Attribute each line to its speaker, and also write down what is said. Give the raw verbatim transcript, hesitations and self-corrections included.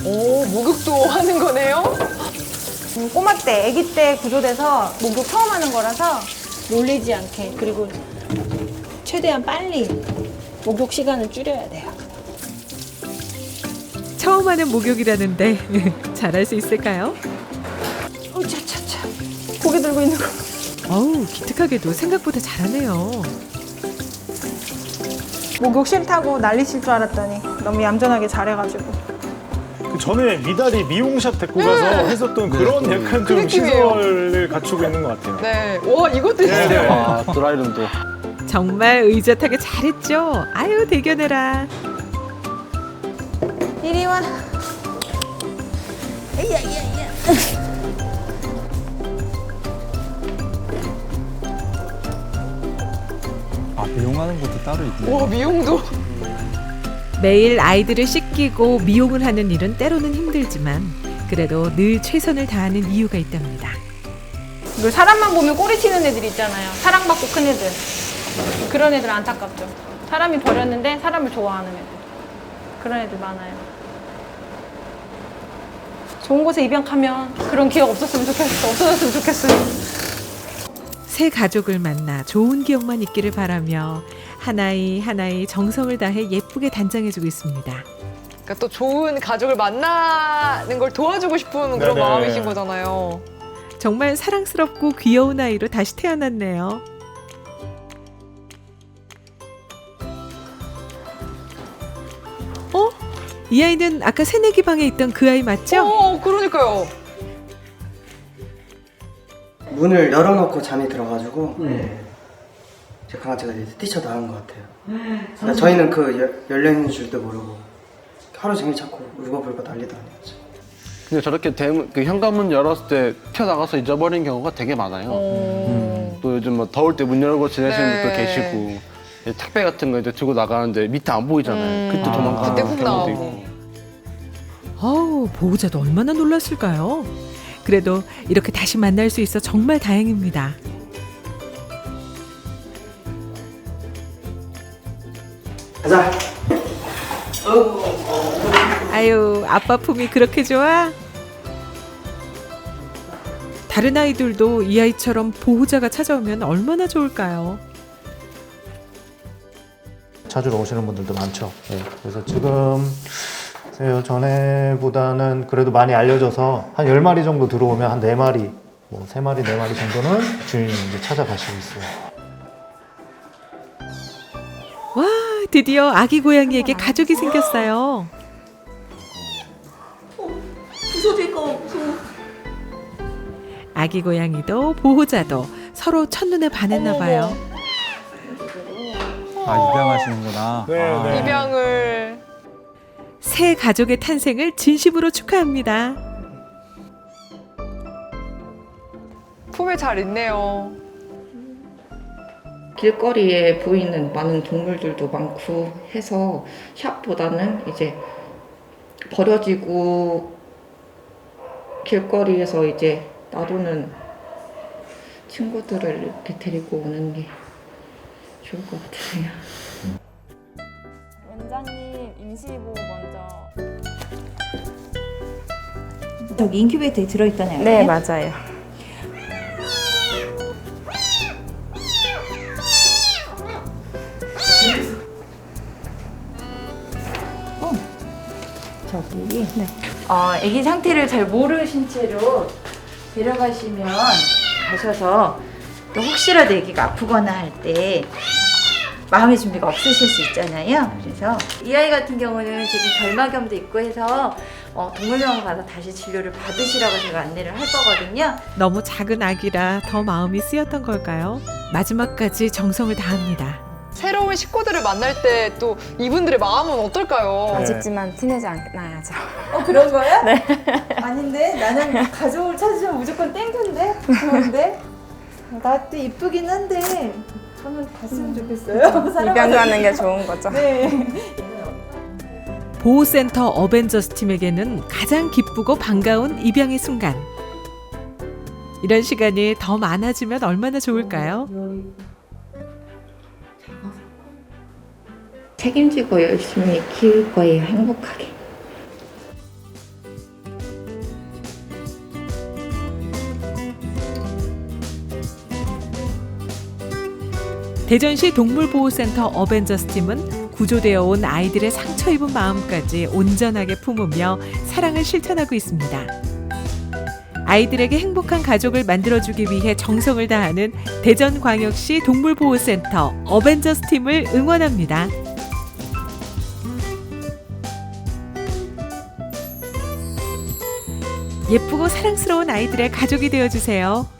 Speaker 1: 오, 목욕도 하는 거네요?
Speaker 2: 음, 꼬마 때, 아기 때 구조돼서 목욕 처음 하는 거라서 놀리지 않게, 그리고 최대한 빨리 목욕 시간을 줄여야 돼요.
Speaker 3: 처음 하는 목욕이라는데 잘할 수 있을까요?
Speaker 2: 어, 차차차. 고개 들고 있는 거.
Speaker 3: 어우, 기특하게도 생각보다 잘하네요.
Speaker 2: 목욕 싫다고 난리칠 줄 알았더니 너무 얌전하게 잘해가지고.
Speaker 4: 그 전에 미달이 미용샵 데리고 가서 했었던 그런 약간
Speaker 1: 그
Speaker 4: 좀
Speaker 1: 느낌이에요.
Speaker 4: 시설을 갖추고 있는 것 같아요.
Speaker 1: 네. 와, 이것도
Speaker 4: 네, 네.
Speaker 1: 있어요.
Speaker 5: 아, 드라이룸도.
Speaker 3: 정말 의젓하게 잘했죠. 아유, 대견해라.
Speaker 2: 이리 와.
Speaker 6: 아, 미용하는 것도 따로 있네.
Speaker 1: 와, 미용도.
Speaker 3: 매일 아이들을 씻기고 미용을 하는 일은 때로는 힘들지만 그래도 늘 최선을 다하는 이유가 있답니다.
Speaker 2: 그 사람만 보면 꼬리 튀는 애들 있잖아요. 사랑받고 큰 애들. 그런 애들 안타깝죠. 사람이 버렸는데 사람을 좋아하는 애들. 그런 애들 많아요. 좋은 곳에 입양하면 그런 기억 없었으면 좋겠어. 없어졌으면 좋겠어요.
Speaker 3: 새 가족을 만나 좋은 기억만 있기를 바라며 하나이 하나이 정성을 다해 예쁘게 단장해주고 있습니다.
Speaker 1: 그러니까 또 좋은 가족을 만나는 걸 도와주고 싶은 그런
Speaker 4: 네네.
Speaker 1: 마음이신 거잖아요.
Speaker 3: 정말 사랑스럽고 귀여운 아이로 다시 태어났네요. 어? 이 아이는 아까 새내기 방에 있던 그 아이 맞죠?
Speaker 1: 어, 그러니까요.
Speaker 7: 문을 열어놓고 잠이 들어가지고 제 강아지가 이제 뛰쳐나온 것 같아요. 그러니까 저희는 그 열- 열려있는 줄도 모르고 하루 종일 자꾸 울고불고 난리도 아니었죠.
Speaker 5: 근데 저렇게 대문, 그 현관문 열었을 때 튀어나가서 잊어버린 경우가 되게 많아요.
Speaker 1: 어.
Speaker 5: 또 요즘 뭐 더울 때 문 열고 지내시는
Speaker 1: 네.
Speaker 5: 분도 계시고 이제 택배 같은 거 이제 들고 나가는데 밑에 안 보이잖아요.
Speaker 1: 음.
Speaker 5: 그때 도망가는
Speaker 1: 그때 훅
Speaker 5: 경우도
Speaker 1: 나오고.
Speaker 5: 있고.
Speaker 3: 어우, 보호자도 얼마나 놀랐을까요? 그래도 이렇게 다시 만날 수 있어 정말 다행입니다.
Speaker 7: 가자.
Speaker 3: 아유, 아빠 품이 그렇게 좋아? 다른 아이들도 이 아이처럼 보호자가 찾아오면 얼마나 좋을까요?
Speaker 8: 찾으러 오시는 분들도 많죠. 예, 그래서 지금 글쎄요, 전에보다는 그래도 많이 알려져서 한 열 마리 정도 들어오면 한 네 마리, 뭐 세 마리, 네 마리 정도는 주인이 이제 찾아가시고 있어요.
Speaker 3: 와, 드디어 아기 고양이에게 가족이 생겼어요. 아기 고양이도 보호자도 서로 첫눈에 반했나 봐요.
Speaker 6: 아, 입양하시는구나.
Speaker 4: 네,
Speaker 6: 아,
Speaker 4: 네.
Speaker 1: 입양을.
Speaker 3: 새 가족의 탄생을 진심으로 축하합니다.
Speaker 1: 품에 잘 있네요.
Speaker 9: 길거리에 보이는 많은 동물들도 많고 해서 샵보다는 이제 버려지고 길거리에서 이제 놔두는 친구들을 이렇게 데리고 오는 게 좋을 것 같아요.
Speaker 10: 원장님 임시보 먼저.
Speaker 11: 저기 인큐베이터에 들어있던 애예요?
Speaker 10: 네, 맞아요.
Speaker 11: 저기. 네. 어, 아기 상태를 잘 모르신 채로 데려가시면 가셔서 또 혹시라도 아기가 아프거나 할 때 마음의 준비가 없으실 수 있잖아요. 그래서 이 아이 같은 경우는 지금 결막염도 있고 해서 어, 동물병원 가서 다시 진료를 받으시라고 제가 안내를 할 거거든요.
Speaker 3: 너무 작은 아기라 더 마음이 쓰였던 걸까요? 마지막까지 정성을 다합니다.
Speaker 1: 새로운 식구들을 만날 때 또 이분들의 마음은 어떨까요?
Speaker 4: 네.
Speaker 10: 아쉽지만 티내지 않아야죠.
Speaker 2: 어, 그런 거야? 네. 아닌데? 나는 가족을 찾으면 무조건 땡큐인데? 그런데? 나도 이쁘긴 한데, 저는 봤으면 좋겠어요.
Speaker 10: 입양하는 게 좋은 거죠.
Speaker 2: 네.
Speaker 3: 보호센터 어벤져스 팀에게는 가장 기쁘고 반가운 입양의 순간. 이런 시간이 더 많아지면 얼마나 좋을까요?
Speaker 9: 책임지고 열심히 키울 거예요. 행복하게.
Speaker 3: 대전시 동물보호센터 어벤져스 팀은 구조되어 온 아이들의 상처 입은 마음까지 온전하게 품으며 사랑을 실천하고 있습니다. 아이들에게 행복한 가족을 만들어주기 위해 정성을 다하는 대전광역시 동물보호센터 어벤져스 팀을 응원합니다. 예쁘고 사랑스러운 아이들의 가족이 되어주세요.